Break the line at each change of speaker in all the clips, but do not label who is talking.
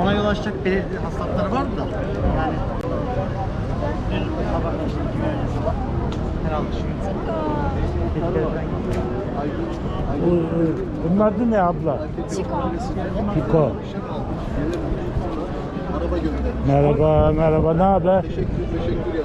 ona yol açacak belirli hastalıkları vardı da yani sabah işte herhalde
Bunun adı ne abla? Piko. Merhaba, merhaba. Ne haber?
Teşekkür ya.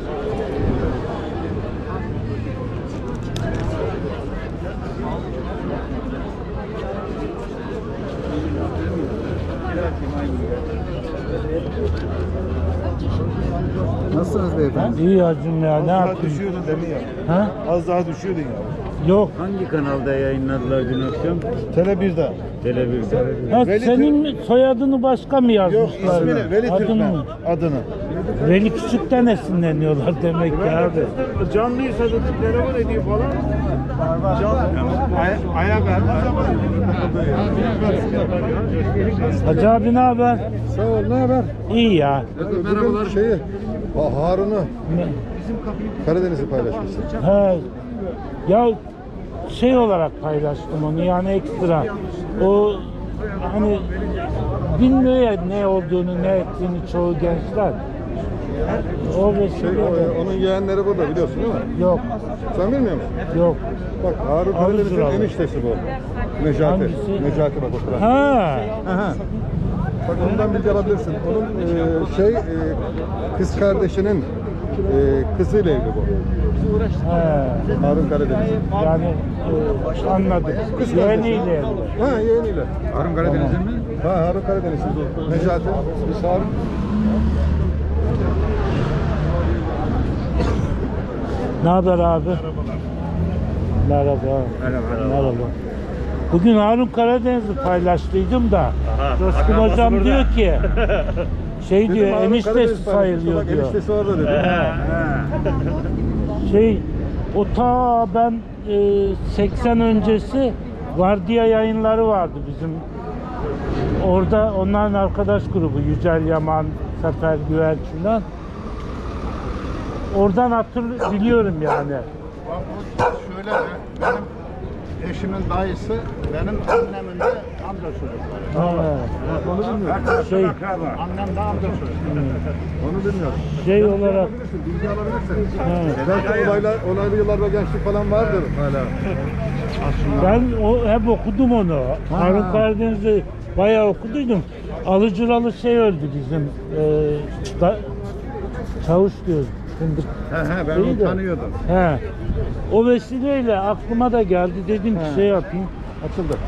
Nasılsınız beyefendi?
İyi hacım ya. Ne yapayım?
Düşüyordun demin ya.
Ha?
Az daha düşüyordun ya.
Yok.
Hangi kanalda yayınladılar dün akşam?
Tele 1'de.
Tele1'de.
Ha,
Veli
senin soyadını başka mı
Yok
yazmışlar?
ismini Veli
Adını
Türkmen.
mı?
Adını.
Veli Küçük'ten esinleniyorlar demek ki abi.
Canlıysa da telefon ediyor falan. Ayak
Hacı abi ne haber?
Sağ ol, ne haber?
İyi ya.
Merhabalar. Harun'u Karadeniz'i paylaşmışsın.
He. Ya şey olarak paylaştım onu yani ekstra. O hani bilmiyor ya ne olduğunu ne ettiğini çoğu gençler. O vesile.
Onun yeğenleri burada biliyorsun değil mi?
Yok.
Sen bilmiyor musun?
Yok.
Bak Harun Karadeniz'in
Alıcı
eniştesi bu. Necati.
Hangisi?
Necati bak oturan.
Ha.
Aha. Bak ondan bilgi alabilirsin. Onun kız kardeşinin kızıyla evli bu.
He.
Harun Karadeniz.
Yani anladım.
Kız
Yeğeniyle
kardeşi.
evli.
Ha yeğeniyle.
Harun Karadeniz'in mi?
Ha Harun Karadeniz'in. Necati. Biz Harun.
Ne haber abi? Merhaba. Merhaba. Bugün Harun Karadeniz'i paylaştıydım da Coşkun hocam diyor ki şey diyor
Harun
eniştesi
Karadeniz
sayılıyor
bak,
diyor.
eniştesi orada dedi.
Şey o ta ben 80 öncesi Vardiya yayınları vardı bizim. Orada onların arkadaş grubu Yücel Yaman, Sefer Güvenç falan. Oradan biliyorum yani.
Şöyle benim eşimin dayısı benim annemin de amca çocukları.
Onu bilmiyorum.
Şey,
Annem de amca çocukları.
Onu bilmiyorum.
şey olarak
Bilgi alabilirsin.
he.
Belki olaylı yıllarda gençlik falan vardır hala.
Ben hep okudum onu. Harun Karadeniz'i bayağı okuduydum. Alıcıralı şey öldü bizim. Çavuş diyoruz. Fındık.
Ben
İyi
onu
de.
tanıyordum.
He. O vesileyle aklıma da geldi. Dedim ki şey yapayım. Atıldı.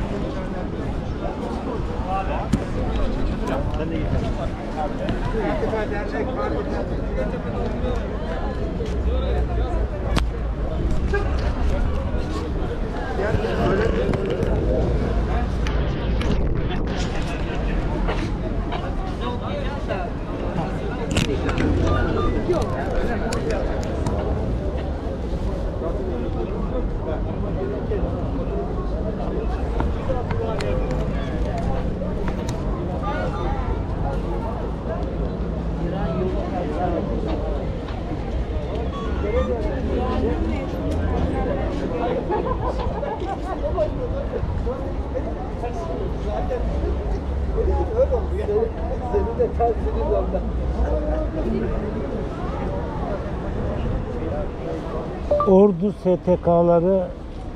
Ordu STK'ları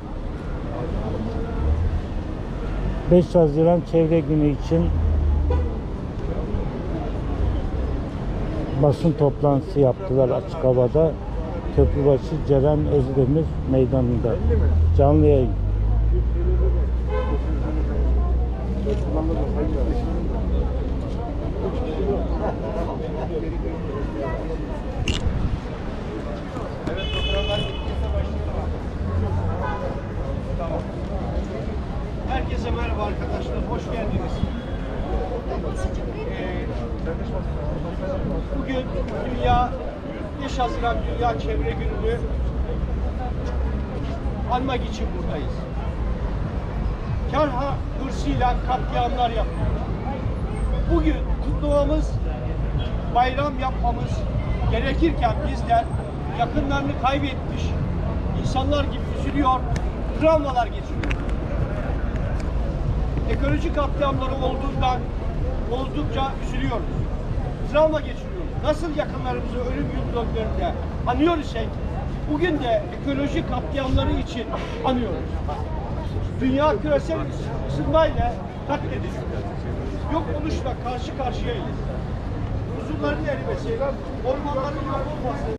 5 Haziran Çevre Günü için basın toplantısı yaptılar açık havada. Köprübaşı Ceren Özdemir Meydanı'nda. Canlı yayın.
Herkese merhaba arkadaşlar, hoş geldiniz. Bugün Dünya 5 Haziran Dünya Çevre Günü'nü anmak için buradayız. Kar hırsıyla katliamlar yapıyoruz. Bugün kutlamamız, bayram yapmamız gerekirken bizler yakınlarını kaybetmiş insanlar gibi üzülüyor, travmalar geçiriyor. Ekolojik katliamları olduğundan bozdukça üzülüyoruz. Travma geçiriyoruz. Nasıl yakınlarımızı ölüm yıldönlerinde anıyor isek, bugün de ekolojik katliamları için anıyoruz. Dünya küresel ısınmayla katlediliyor. Yok oluşla karşı karşıyayız. Huzurların erimesi, ormanların yok olması,